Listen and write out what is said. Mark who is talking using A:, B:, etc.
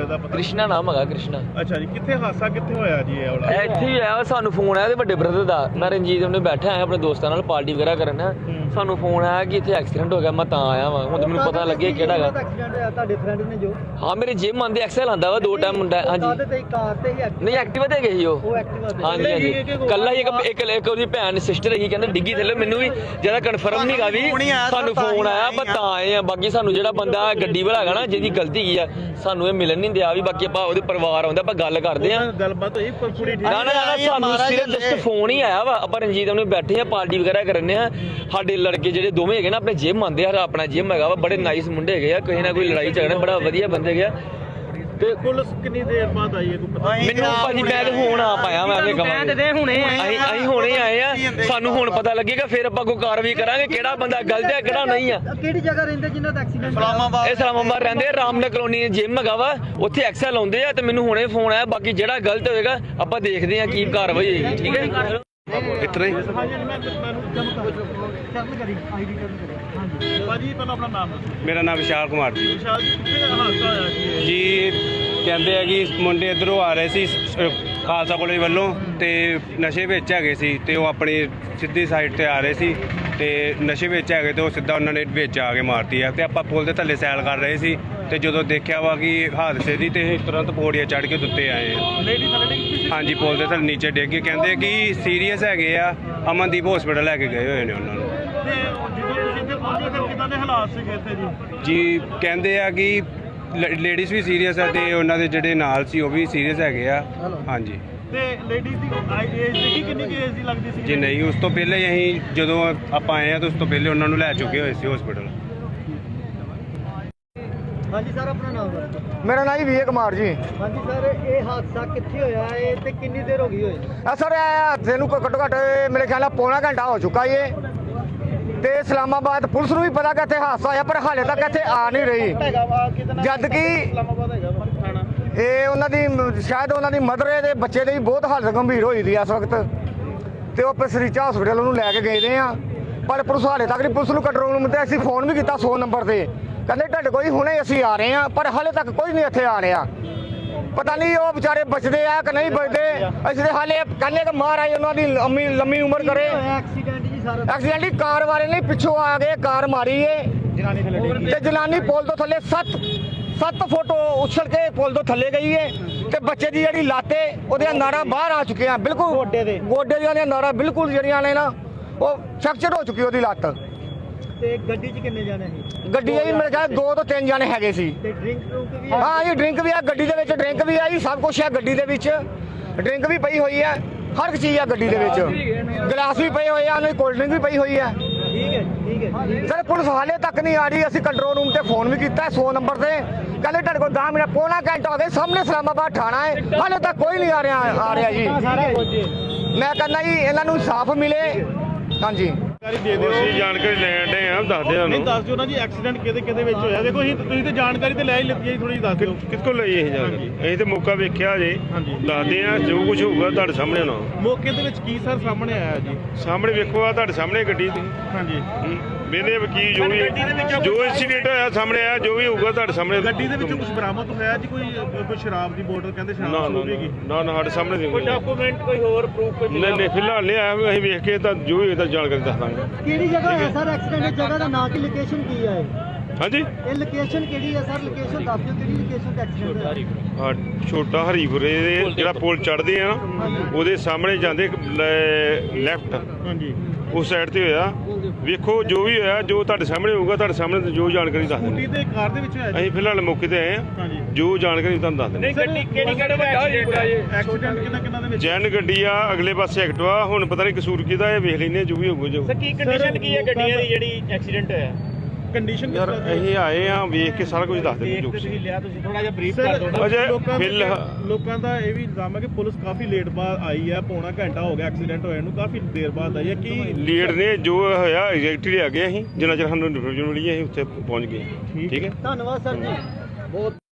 A: ਮੁੰਡੇ ਦਾ ਪਤਾ?
B: कृष्णा नाम है कृष्णा।
A: ਅੱਛਾ ਜੀ, ਕਿੱਥੇ ਹਾਦਸਾ ਕਿੱਥੇ ਹੋਇਆ ਜੀ ਇਹ ਵਾਲਾ?
B: ਇੱਥੇ ਹੀ ਆਇਆ ਸਾਨੂੰ ਫੋਨ ਆਇਆ ਤੇ ਵੱਡੇ ਬ੍ਰਦਰ ਦਾ। ਮੈਂ ਰਣਜੀਤ ਉਹਨੇ ਬੈਠਾ ਆਇਆ ਆਪਣੇ ਦੋਸਤਾਂ ਨਾਲ ਪਾਰਟੀ ਵਗੈਰਾ ਕਰਨ। ਸਾਨੂੰ ਫੋਨ ਆਇਆ ਕਿ ਇੱਥੇ ਐਕਸੀਡੈਂਟ ਹੋ ਗਿਆ। ਮੈਂ ਤਾਂ ਆਇਆ ਵਾਂ, ਹੁਣ ਮੈਨੂੰ ਪਤਾ ਲੱਗਿਆ ਕਿਹੜਾ ਹੈਗਾ।
C: ਐਕਸੀਡੈਂਟ ਹੋਇਆ ਤੁਹਾਡੇ ਫਰੈਂਡ ਨੇ ਜੋ?
B: ਹਾਂ ਮੇਰੇ ਜਿਮ ਆਂਦੇ ਐਕਸਲ ਆਂਦਾ ਵਾ 2 ਟਾਈਮ ਮੁੰਡਾ। ਹਾਂਜੀ
C: ਤੇ ਕਾਰ ਤੇ ਹੀ
B: ਨਹੀਂ ਐਕਟਿਵਾ ਤੇ ਗਈ ਉਹ।
C: ਐਕਟਿਵਾ
B: ਹਾਂਜੀ ਹਾਂਜੀ ਕੱਲਾ ਹੀ ਇੱਕ ਉਹਦੀ ਭੈਣ ਸਿਸਟਰ ਹੀ ਕਹਿੰਦੇ ਡਿੱਗੀ ਥੱਲੇ। ਮੈਨੂੰ ਵੀ ਜਿਆਦਾ ਕਨਫਰਮ ਨਹੀਂ ਗਾ ਵੀ ਸਾਨੂੰ ਫੋਨ ਆਇਆ ਪਰ ਤਾਂ ਆਏ ਆ। ਬਾਕੀ ਸਾਨੂੰ ਜਿਹੜਾ ਬੰਦਾ ਗੱਡੀ ਵਾਲਾ ਹੈਗਾ ਨਾ ਜਿਹਦੀ ਗਲਤੀ ਕੀ ਆ ਸਾਨੂੰ ਇਹ ਮਿਲਣ ਨਹੀਂ ਦਿਆ ਵੀ। ਬਾਕੀ ਆਪਾਂ ਉਹਦੇ ਪਰਿਵਾਰ ਆਉਂਦਾ ਆਪਾਂ ਗੱਲ ਕਰਦੇ ਆ।
A: ਗੱਲਬਾਤ ਹੋਈ ਕੁੜੀ ਠੀਕ?
B: ਨਾ ਸਾਨੂੰ ਸਿਰਫ ਜਸਟ ਫੋਨ ਹੀ ਆਇਆ ਵਾ। ਆਪਾਂ ਰਣਜੀਤ ਉਹਨੇ ਬੈਠੇ ਆ ਪਾਰਟੀ ਵਗੈਰਾ ਕਰਨੇ ਆ। ਸਾਡੇ ਲੜਕੇ ਜਿਹੜੇ ਦੋਵੇਂ ਹੈਗੇ ਨਾ ਆਪਣੇ ਜਿਮ ਆਉਂਦੇ ਆ। ਆਪਣਾ ਜਿਮ ਹੈਗਾ ਵਾ, ਬੜੇ ਨਾਈਸ ਮੁੰਡੇ ਹੈਗੇ ਆ। ਕਿਸੇ ਨਾ ਕੋਈ ਲੜਾਈ ਝਗੜਾ ਬੜਾ ਵਧੀਆ ਬੰਦੇ ਹੈਗੇ ਆ।
A: ਤੇ ਪੁਲਿਸ ਕਿੰਨੀ ਦੇਰ ਬਾਅਦ ਆਈ ਹੈ ਕੋਈ ਪਤਾ?
B: ਮੈਨੂੰ ਭਾਜੀ ਮੈਂ ਤੇ ਹੁਣ ਆ ਪਾਇਆ। ਮੈਂ ਅੱਗੇ ਕਵਾਂਗੇ ਅਸੀਂ ਹੁਣੇ ਆਏ ਆ। ਸਾਨੂੰ ਹੁਣ ਪਤਾ ਲੱਗੇਗਾ ਫਿਰ ਆਪਾਂ ਕੋਈ ਕਾਰਵਾਈ ਕਰਾਂਗੇ ਕਿਹੜਾ ਬੰਦਾ ਗਲਤ ਹੈ ਕਿਹੜਾ ਨਹੀਂ ਆ।
C: ਕਿਹੜੀ ਜਗ੍ਹਾ ਰਹਿੰਦੇ ਜਿਨ੍ਹਾਂ ਦਾ ਐਕਸੀਡੈਂਟ?
B: ਇਹ ਇਸਲਾਮਾਬਾਦ ਰਹਿੰਦੇ ਰਾਮਨਗਰ ਕਲੋਨੀ ਜਿਮ ਹੈਗਾ ਵਾ, ਉੱਥੇ ਐਕਸਲ ਆਉਂਦੇ ਆ। ਤੇ ਮੈਨੂੰ ਹੁਣੇ ਫੋਨ ਆਇਆ। ਬਾਕੀ ਜਿਹੜਾ ਗਲਤ ਹੋਏਗਾ ਆਪਾਂ ਦੇਖਦੇ ਆ ਕੀ ਕਾਰਵਾਈ ਹੋਏਗੀ। ਠੀਕ ਹੈ
A: ਇਤਨਾ ਹੀ ਭਾਜੀ ਪਹਿਲਾਂ ਆਪਣਾ ਨਾਮ ਦੱਸੋ।
D: ਮੇਰਾ ਨਾਮ ਵਿਸ਼ਾਲ ਕੁਮਾਰ ਜੀ।
A: ਵਿਸ਼ਾਲ ਜੀ, ਕਿੱਥੇ ਹਾਦਸਾ ਹੋਇਆ ਜੀ?
D: ਜੀ ਕਹਿੰਦੇ ਆ ਕਿ ਮੁੰਡੇ ਇੱਧਰੋਂ ਆ ਰਹੇ ਸੀ ਖਾਲਸਾ ਕਾਲਜ ਵੱਲੋਂ ਤੇ ਨਸ਼ੇ ਵਿੱਚ ਹੈਗੇ ਸੀ ਤੇ ਉਹ ਆਪਣੀ ਸਿੱਧੀ ਸਾਈਡ ਤੇ ਆ ਰਹੇ ਸੀ ਤੇ ਨਸ਼ੇ ਵਿੱਚ ਹੈਗੇ ਤੇ ਉਹ ਸਿੱਧਾ ਉਹਨਾਂ ਨੇ ਵਿੱਚ ਆ ਕੇ ਮਾਰਤੀ ਆ। ਤੇ ਆਪਾਂ ਪੁਲ ਦੇ ਥੱਲੇ ਸੈਲ ਕਰ ਰਹੇ ਸੀ ਤੇ ਜਦੋਂ ਦੇਖਿਆ ਵਾ ਕਿ ਹਾਦਸੇ ਦੀ ਤੇ ਤੁਰੰਤ ਪੌੜੀਆਂ ਚੜ੍ਹ ਕੇ ਉੱਤੇ ਆਏ ਆ।
A: ਲੇਡੀ ਥੱਲੇ ਡਿੱਗੀ?
D: ਹਾਂਜੀ ਪੁਲ ਦੇ ਥੱਲੇ ਨੀਚੇ ਡਿੱਗ ਕੇ ਕਹਿੰਦੇ ਕਿ ਸੀਰੀਅਸ ਹੈਗੇ ਆ। ਅਮਨਦੀਪ ਹਸਪੀਟਲ ਲੈ ਕੇ ਗਏ ਹੋਏ ਨੇ ਉਹਨਾਂ ਨੂੰ।
A: ਤੇ ਜਦੋਂ ਤੁਸੀਂ ਇੱਥੇ ਪਹੁੰਚੇ ਫਿਰ ਕਿੱਦਾਂ ਦੇ ਹਾਲਾਤ ਸੀਗੇ ਇੱਥੇ ਜੀ?
D: ਜੀ ਕਹਿੰਦੇ ਆ ਕਿ ਲੇਡੀਜ਼ ਵੀ ਸੀਰੀਅਸ ਆ ਤੇ ਉਹਨਾਂ ਦੇ ਜਿਹੜੇ ਨਾਲ ਸੀ ਉਹ ਵੀ ਸੀਰੀਅਸ ਹੈਗੇ ਆ। ਹਾਂਜੀ
A: ਤੇ ਲੇਡੀਜ਼ ਦੀ ਏਜ ਦੇਖੀ ਕਿੰਨੀ ਕੀ ਏਜ ਦੀ ਲੱਗਦੀ ਸੀ?
D: ਜੀ ਨਹੀਂ ਉਸ ਤੋਂ ਪਹਿਲੇ ਹੀ ਅਸੀਂ ਜਦੋਂ ਆਪਾਂ ਆਏ ਆ ਤਾਂ ਉਸ ਤੋਂ ਪਹਿਲੇ ਉਹਨਾਂ ਨੂੰ ਲੈ ਚੁੱਕੇ ਹੋਏ ਸੀ ਹਸਪੀਟਲ।
C: ਹਾਂਜੀ ਸਰ ਆਪਣਾ ਨਾਮ ਦੱਸੋ।
E: ਮੇਰਾ ਨਾਮ ਜੀ ਵੀਰ ਕੁਮਾਰ ਜੀ।
C: ਹਾਂਜੀ ਸਰ ਇਹ ਹਾਦਸਾ ਕਿੱਥੇ ਹੋਇਆ ਹੈ ਤੇ ਕਿੰਨੀ ਦੇਰ ਹੋ ਗਈ ਹੋਏ?
E: ਸਰ ਇਹ ਹਾਦਸੇ ਨੂੰ ਘੱਟੋ ਘੱਟ ਮੇਰੇ ਖਿਆਲ ਨਾਲ ਪੌਣਾ ਘੰਟਾ ਹੋ ਚੁੱਕਾ ਏ ਤੇ ਇਸਲਾਮਾਬਾਦ ਪੁਲਿਸ ਨੂੰ ਵੀ ਪਤਾ ਕਿ ਇੱਥੇ ਹਾਦਸਾ ਹੋਇਆ ਪਰ ਹਾਲੇ ਤੱਕ ਇੱਥੇ ਆ ਨਹੀਂ ਰਹੀ। ਜਦ ਕਿ
A: ਇਸਲਾਮਾਬਾਦ ਹੈਗਾ ਥਾਣਾ।
E: ਇਹ ਉਹਨਾਂ ਦੀ ਸ਼ਾਇਦ ਉਹਨਾਂ ਦੀ ਮਦਰ ਦੇ ਬੱਚੇ ਦੀ ਵੀ ਬਹੁਤ ਹਾਲਤ ਗੰਭੀਰ ਹੋਈ ਦੀ ਇਸ ਵਕਤ ਤੇ ਉਹ ਪਸਰੀਚਾ ਹਸਪੀਟਲ ਉਹਨੂੰ ਲੈ ਕੇ ਗਏ ਦੇ ਆ। ਪਰ ਪੁਲਿਸ ਹਾਲੇ ਤੱਕ ਨਹੀਂ। ਪੁਲਿਸ ਨੂੰ ਕੰਟਰੋਲ ਰੂਮ ਤੇ ਅਸੀਂ ਫੋਨ ਵੀ ਕੀਤਾ 100 ਨੰਬਰ ਤੇ, ਕਹਿੰਦੇ ਤੁਹਾਡੇ ਕੋਈ ਹੁਣੇ ਅਸੀਂ ਆ ਰਹੇ ਆ ਪਰ ਹਾਲੇ ਤੱਕ ਕੋਈ ਨਹੀਂ ਇੱਥੇ ਆ ਰਿਹਾ। ਪਤਾ ਨਹੀਂ ਉਹ ਵਿਚਾਰੇ ਬਚਦੇ ਆ ਕਿ ਨਹੀਂ ਬਚਦੇ। ਅਸੀਂ ਹਾਲੇ ਕਹਿੰਦੇ ਕਿ ਮਹਾਰਾਜ ਉਹਨਾਂ ਦੀ ਲੰਮੀ ਉਮਰ ਕਰੇ।
C: ਐਕਸੀਡੈਂਟ ਜੀ ਸਰ?
E: ਐਕਸੀਡੈਂਟ ਹੀ ਕਾਰ ਵਾਲੇ ਨੇ ਪਿੱਛੋਂ ਆ ਕੇ ਕਾਰ ਮਾਰੀ ਏ ਤੇ ਜਨਾਨੀ ਪੁਲ ਤੋਂ ਥੱਲੇ 7 ਫੁੱਟ ਉਛਲ ਕੇ ਪੁਲ ਤੋਂ ਥੱਲੇ ਗਈ ਏ ਤੇ ਬੱਚੇ ਦੀ ਜਿਹੜੀ ਲੱਤ ਏ ਉਹਦੀਆਂ ਨਾੜਾਂ ਬਾਹਰ ਆ ਚੁੱਕੀਆਂ ਬਿਲਕੁਲ। ਗੋਡੇ ਦੀਆਂ ਨਾੜਾਂ ਬਿਲਕੁਲ ਜਿਹੜੀਆਂ ਨੇ ਨਾ ਉਹ ਫ੍ਰੈਕਚਰ ਹੋ ਚੁੱਕੀ ਉਹਦੀ ਲੱਤ।
C: ਤੇ ਗੱਡੀ 'ਚ ਕਿੰਨੇ ਜਾਣੇ ਸੀ?
E: ਗੱਡੀ ਆਈ ਮੇਰੇ ਖਿਆਲ 2 ਤੋਂ 3 ਜਾਣੇ ਹੈਗੇ ਸੀ।
C: ਤੇ ਡਰਿੰਕ ਵੀ?
E: ਹਾਂ ਜੀ ਡਰਿੰਕ ਵੀ ਆ ਗੱਡੀ ਦੇ ਵਿੱਚ। ਡਰਿੰਕ ਵੀ ਆਈ ਸਭ ਕੁਝ ਆ ਗੱਡੀ ਦੇ ਵਿੱਚ। ਡਰਿੰਕ ਵੀ ਪਈ ਹੋਈ ਹੈ ਹਰ ਇੱਕ ਚੀਜ਼ ਆ ਗੱਡੀ ਦੇ ਵਿੱਚ। ਗਲਾਸ ਵੀ ਪਏ ਹੋਏ ਆ ਉਹਨਾਂ ਦੀ ਕੋਲਡ ਡਰਿੰਕ ਵੀ ਪਈ ਹੋਈ ਹੈ।
C: ਠੀਕ ਹੈ
E: ਸਰ ਪੁਲਿਸ ਹਾਲੇ ਤੱਕ ਨਹੀਂ ਆ ਰਹੀ। ਅਸੀਂ ਕੰਟਰੋਲ ਰੂਮ ਤੇ ਫੋਨ ਵੀ ਕੀਤਾ 100 ਨੰਬਰ ਤੇ, ਕਹਿੰਦੇ ਤੁਹਾਡੇ ਕੋਲ 10 ਮਿੰਟ ਪੌਣਾ ਘੰਟਾ ਹੋ ਗਿਆ। ਸਾਹਮਣੇ ਇਸਲਾਮਾਬਾਦ ਥਾਣਾ ਹੈ ਹਾਲੇ ਤੱਕ ਕੋਈ ਨਹੀਂ ਆ ਰਿਹਾ ਜੀ। ਮੈਂ ਕਹਿੰਦਾ ਜੀ ਇਹਨਾਂ ਨੂੰ ਇਨਸਾਫ ਮਿਲੇ। ਹਾਂਜੀ
A: ਦੇ ਦਿਓ।
D: ਅਸੀਂ ਜਾਣਕਾਰੀ ਲੈਣ ਦੇ ਆ ਦੱਸਦੇ ਆ
A: ਨਹੀਂ ਦੱਸ ਦਿਓ ਨਾ ਜੀ ਐਕਸੀਡੈਂਟ ਕਿਹਦੇ ਵਿੱਚ ਹੋਇਆ। ਦੇਖੋ ਤੁਸੀਂ ਤੇ ਜਾਣਕਾਰੀ ਤੇ ਲੈ ਹੀ ਲਿੱਤੀ ਹੈ, ਥੋੜੀ ਦੱਸ ਦਿਓ
D: ਕਿੱਥੋਂ ਲਈ ਇਹ ਜਾਣਕਾਰੀ। ਅਸੀਂ ਤੇ ਮੌਕਾ ਵੇਖਿਆ ਜੇ
A: ਹਾਂਜੀ।
D: ਦੱਸਦੇ ਆ ਜੋ ਕੁਝ ਹੋਊਗਾ ਤੁਹਾਡੇ ਸਾਹਮਣੇ ਹੋਣਾ।
A: ਮੌਕੇ ਦੇ ਵਿੱਚ ਕੀ ਸਰ ਸਾਹਮਣੇ ਆਇਆ ਜੀ?
D: ਸਾਹਮਣੇ ਵੇਖੋ ਆ ਤੁਹਾਡੇ ਸਾਹਮਣੇ ਗੱਡੀ ਦੀ
A: ਹਾਂਜੀ
D: ਵੇਲੇ ਵਕੀਲ ਜੋ ਵੀ ਜੋ ਇੰਸੀਡੈਂਟ ਹੋਇਆ ਸਾਹਮਣੇ ਆਇਆ ਜੋ ਵੀ ਹੋਊਗਾ ਤੁਹਾਡੇ ਸਾਹਮਣੇ।
A: ਗੱਡੀ ਦੇ ਵਿੱਚੋਂ ਕੁਝ ਬਰਾਮਦ ਹੋਇਆ ਜੀ? ਕੋਈ ਸ਼ਰਾਬ ਦੀ ਬੋਤਲ ਕਹਿੰਦੇ
D: ਨਾ
A: ਸ਼ਰਾਬ ਹੋਵੇਗੀ?
D: ਨਾ ਸਾਡੇ ਸਾਹਮਣੇ
A: ਕੋਈ ਡਾਕੂਮੈਂਟ ਕੋਈ ਹੋਰ ਪ੍ਰੂਫ?
D: ਨਹੀਂ ਫਿਲਹਾਲ ਨਹੀਂ ਆਇਆ। ਅਸੀਂ ਵੇਖ ਕੇ ਤਾਂ ਜੋ ਵੀ ਹੋਏਗਾ ਜਾਣਕਾਰੀ ਦੱਸ ਦਾਂਗੇ।
C: ਕਿਹੜੀ ਜਗ੍ਹਾ ਹੈ ਸਰ ਐਕਸੀਡੈਂਟ? ਜਗ੍ਹਾ ਦਾ ਨਾਂ ਕੀ ਲੋਕੇਸ਼ਨ ਕੀ ਹੈ?
D: ਹਾਂਜੀ
C: ਇਹ ਲੋਕੇਸ਼ਨ ਕਿਹੜੀ ਹੈ ਸਰ? ਲੋਕੇਸ਼ਨ ਦੱਸ ਦਿਓ ਕਿਹੜੀ ਲੋਕੇਸ਼ਨ ਤੇ ਐਕਸੀਡੈਂਟ ਹੋਇਆ?
D: ਛੋਟਾ ਹਰੀਪੁਰੇ ਦੇ ਜਿਹੜਾ ਪੁਲ ਚੜ੍ਹਦੇ ਆ ਨਾ ਉਹਦੇ ਸਾਹਮਣੇ ਜਾਂਦੇ ਲੈਫਟ
A: ਹਾਂਜੀ
D: ਉਸ ਸਾਈਡ ਤੇ ਹੋਇਆ। ਵੇਖੋ ਜੋ ਵੀ ਹੋਇਆ ਜੋ ਤੁਹਾਡੇ ਸਾਹਮਣੇ ਹੋਊਗਾ ਤੁਹਾਡੇ ਸਾਹਮਣੇ ਜੋ ਜਾਣਕਾਰੀ ਦੱਸ
A: ਸਕੂਟੀ
D: ਦਿੰਦੇ।
A: ਤੇ ਕਾਰ ਦੇ ਵਿੱਚ ਹੋਇਆ ਜੀ?
D: ਅਸੀਂ ਫਿਲਹਾਲ ਮੌਕੇ ਤੇ ਆਏ ਆ
A: ਹਾਂਜੀ
D: ਜੋ ਜਾਣਕਾਰੀ ਤੁਹਾਨੂੰ ਦੱਸ ਦਿੰਦੇ।
A: ਐਕਸੀਡੈਂਟ ਕਿਹਨਾਂ ਦੇ ਵਿੱਚ?
D: ਜੈਨ ਗੱਡੀ ਆ ਅਗਲੇ ਪਾਸੇ ਐਕਟਵਾ। ਹੁਣ ਪਤਾ ਨਹੀਂ ਕਸੂਰ ਕਿਹਦਾ ਇਹ ਵੇਖ ਲੈਂਦੇ ਜੋ ਵੀ ਹੋਊਗਾ ਜੋ।
A: ਕੀ ਕੰਡੀਸ਼ਨ ਕੀ ਹੈ ਗੱਡੀਆਂ ਦੀ ਜਿਹੜੀ ਐਕਸੀਡੈਂਟ ਹੋਇਆ? ਕੰਡੀਸ਼ਨ
D: ਯਾਰ ਅਸੀਂ ਆਏ ਆ ਵੇਖ ਕੇ ਸਾਰਾ ਕੁਝ ਦੱਸ ਦਿੰਦੇ ਜੋ
A: ਤੁਸੀਂ ਲਿਆ ਤੁਸੀਂ ਥੋੜਾ ਜਿਹਾ ਬਰੀਫ ਕਰ ਦਿਓ।
D: ਅਜੇ
A: ਲੋਕਾਂ ਦਾ ਇਹ ਵੀ ਇਲਜ਼ਾਮ ਹੈ ਕਿ ਪੁਲਿਸ ਕਾਫੀ ਲੇਟ ਬਾਅਦ ਆਈ ਹੈ। ਪੌਣਾ ਘੰਟਾ ਹੋ ਗਿਆ ਐਕਸੀਡੈਂਟ ਹੋਇਆ ਨੂੰ, ਕਾਫੀ ਦੇਰ ਬਾਅਦ ਆਈ ਹੈ। ਕੀ
D: ਲੀਡ ਨੇ ਜੋ ਹੋਇਆ ਐਗਜ਼ੈਕਟਲੀ ਆ ਗਏ ਅਸੀਂ ਜਿੰਨਾ ਚਿਰ ਸਾਨੂੰ ਇਨਫੋਰਮੇਸ਼ਨ ਮਿਲੀ ਅਸੀਂ ਉੱਥੇ ਪਹੁੰਚ ਗਏ। ਠੀਕ ਹੈ
C: ਧੰਨਵਾਦ ਸਰ ਜੀ ਬਹੁਤ।